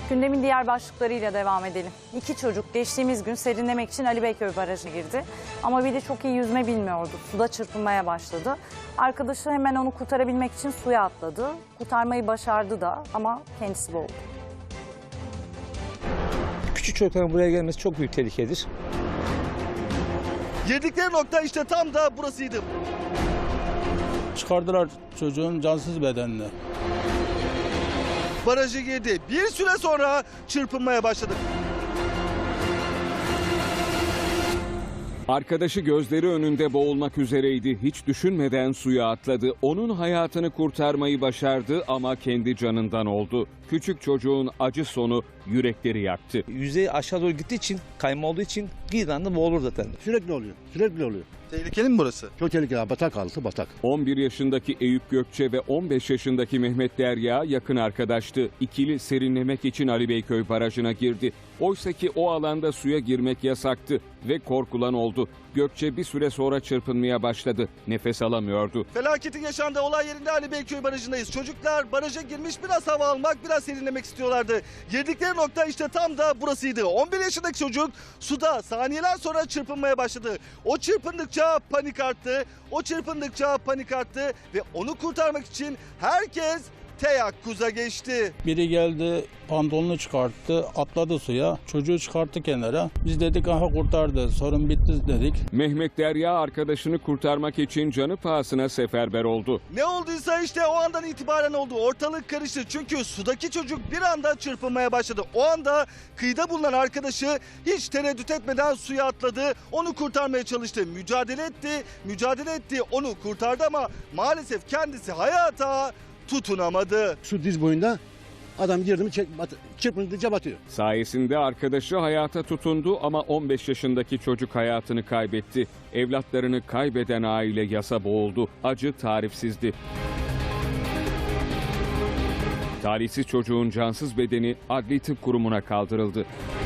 Gündemin diğer başlıklarıyla devam edelim. 2 çocuk geçtiğimiz gün serinlemek için Ali Beyköy Barajı'na girdi. Ama biri çok iyi yüzme bilmiyordu. Suda çırpınmaya başladı. Arkadaşı hemen onu kurtarabilmek için suya atladı. Kurtarmayı başardı da ama kendisi boğuldu. Küçük çocukların buraya gelmesi çok büyük tehlikedir. Girdikleri nokta işte tam da burasıydı. Çıkardılar çocuğun cansız bedenini. Barajı girdi. Bir süre sonra çırpınmaya başladı. Arkadaşı gözleri önünde boğulmak üzereydi. Hiç düşünmeden suya atladı. Onun hayatını kurtarmayı başardı ama kendi canından oldu. Küçük çocuğun acı sonu yürekleri yaktı. Yüzey aşağı doğru gittiği için, kayma olduğu için bir anda boğulur zaten. Sürekli oluyor. Sürekli oluyor. Tehlikeli mi burası? Çok tehlikeli. Batak altı batak. 11 yaşındaki Eyüp Gökçe ve 15 yaşındaki Mehmet Derya yakın arkadaştı. İkili serinlemek için Ali Beyköy Barajı'na girdi. Oysaki o alanda suya girmek yasaktı ve korkulan oldu. Gökçe bir süre sonra çırpınmaya başladı. Nefes alamıyordu. Felaketin yaşandığı olay yerinde Ali Beyköy Barajı'ndayız. Çocuklar baraja girmiş, biraz hava almak, biraz serinlemek istiyorlardı. Girdikleri nokta işte tam da burasıydı. 11 yaşındaki çocuk suda saniyeler sonra çırpınmaya başladı. O çırpındıkça panik arttı. O çırpındıkça panik arttı ve onu kurtarmak için herkes teyakkuza geçti. Biri geldi, pantolonunu çıkarttı, atladı suya. Çocuğu çıkarttı kenara. Biz dedik aha kurtardı, sorun bitti dedik. Mehmet Derya arkadaşını kurtarmak için canı pahasına seferber oldu. Ne olduysa işte o andan itibaren oldu. Ortalık karıştı çünkü sudaki çocuk bir anda çırpınmaya başladı. O anda kıyıda bulunan arkadaşı hiç tereddüt etmeden suya atladı. Onu kurtarmaya çalıştı. Mücadele etti. Onu kurtardı ama maalesef kendisi hayata tutunamadı. Su diz boyunda adam girdi mi çırpındıkça batıyor. Sayesinde arkadaşı hayata tutundu ama 15 yaşındaki çocuk hayatını kaybetti. Evlatlarını kaybeden aile yasa boğuldu. Acı tarifsizdi. Talihsiz çocuğun cansız bedeni Adli Tıp Kurumu'na kaldırıldı.